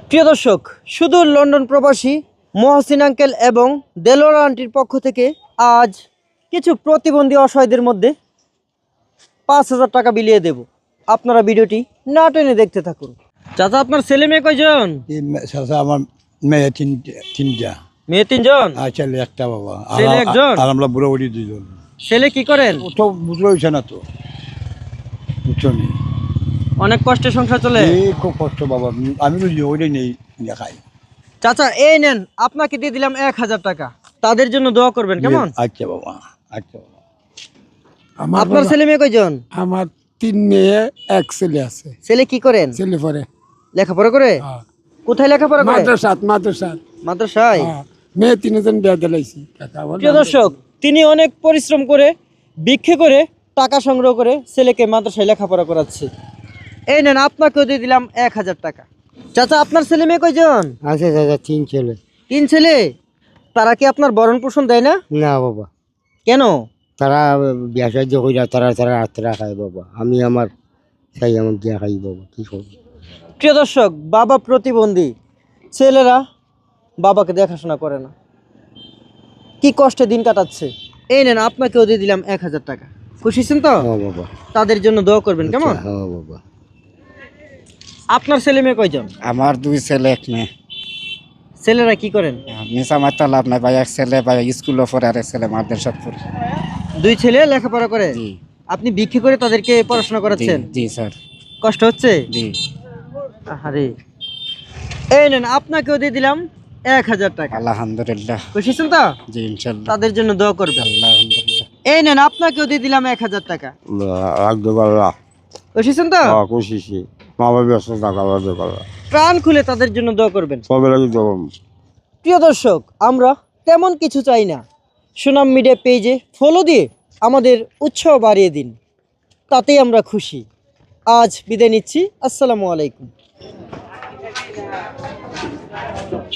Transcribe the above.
প্রিয় দর্শক, শুধু লন্ডন প্রবাসী মহসিন আঙ্কেল এবং দেলোয়ার আন্টির পক্ষ থেকে আজ কিছু প্রতিবন্ধী অসহায়দের মধ্যে 5,000 টাকা বিলিয়ে দেব। আপনারা ভিডিওটি না টেনে দেখতে থাকুন। চাচা, আপনার ছেলে মেয়ে কয়জন? আমার মেয়ে তিনটা। মেয়ে 3জন, ছেলে একটা বাবা। ছেলে একজন, আর আমরা বুড়ো বুড়ি 2জন। ছেলে কি করেন? ও তো বুঝতে হয়েছে না তো, বুঝছো নি? অনেক কষ্টে সংসার চলে। খুব কষ্ট বাবা, আমি বুঝি ওইটাই নেই দেখাই। চাচা এই নেন, আপনাকে দিয়ে দিলাম 1,000 টাকা। তাদের জন্য দোয়া করবেন, কেমন? আচ্ছা বাবা, আচ্ছা বাবা। আপনার ছেলে মেয়ে কয়জন? আমার 3 মেয়ে 1 ছেলে আছে। ছেলে কি করেন? ছেলে পরে লেখাপড়া করে? কোথায় লেখাপড়া করে? মাদ্রাসায়। মেয়ে 3 জন বিয়া দিলাইছি। প্রিয় দর্শক, তিনি অনেক পরিশ্রম করে ভিক্ষে করে টাকা সংগ্রহ করে ছেলেকে মাদ্রাসায় লেখাপড়া করাচ্ছে। এই নেন, আপনাকেও দিয়ে দিলাম 1,000 টাকা। চাচা, আপনার ছেলে মেয়ে কয়জন? আছে দাদা, 3 ছেলে। 3 ছেলে? তারা কি আপনার ভরণ পোষণ দেয় না? না বাবা, কেন? তারা বিয়া সাহায্য কইরা তারা রাত্রে খায় বাবা। আমি আমার চাই আমার দিয়া খাই বাবা, কি করবো। প্রিয় দর্শক, বাবা প্রতিবন্ধী, ছেলেরা বাবাকে দেখাশোনা করে না, কি কষ্টে দিন কাটাচ্ছে। এই নেন, আপনাকেও দিয়ে দিলাম 1,000 টাকা। খুশি হয়েছেন তো? হ্যাঁ বাবা। তাদের জন্য দোয়া করবেন, কেমন? হ্যাঁ বাবা। আপনার ছেলে মেয়ে কয়জন? আমার 2 ছেলে 1 মেয়ে। ছেলেরা কি করেন? মিশা মারতে লাভ নাই ভাই, এক ছেলে ভাই স্কুলে পড়ে আর এক ছেলে মাদ্রাসা পড়ে। 2 ছেলে লেখাপড়া করে? জি আপনি ভিক্ষে করে তাদেরকে পড়াশোনা করাচ্ছেন? জি স্যার। কষ্ট হচ্ছে? জি। আরে, এই নেন, আপনাকেও দিয়ে দিলাম 1,000 টাকা। আলহামদুলিল্লাহ। খুশি হয়েছেন তো? জি ইনশাআল্লাহ। তাদের জন্য দোয়া করবেন। আলহামদুলিল্লাহ। এই নেন, আপনাকেও দিয়ে দিলাম 1,000 টাকা। খুশি হয়েছেন তো? খুশি মা বাবা ব্যস্ত টাকা প্রাণ খুলে তাদের জন্য দোয়া করবেন। সবাই লাগে জবাব। প্রিয় দর্শক, আমরা তেমন কিছু চাই না, সুনাম মিডিয়া পেজে ফলো দিয়ে আমাদের উৎসাহ বাড়িয়ে দিন, তাতেই আমরা খুশি। আজ বিদায় নিচ্ছি। আসসালামু আলাইকুম।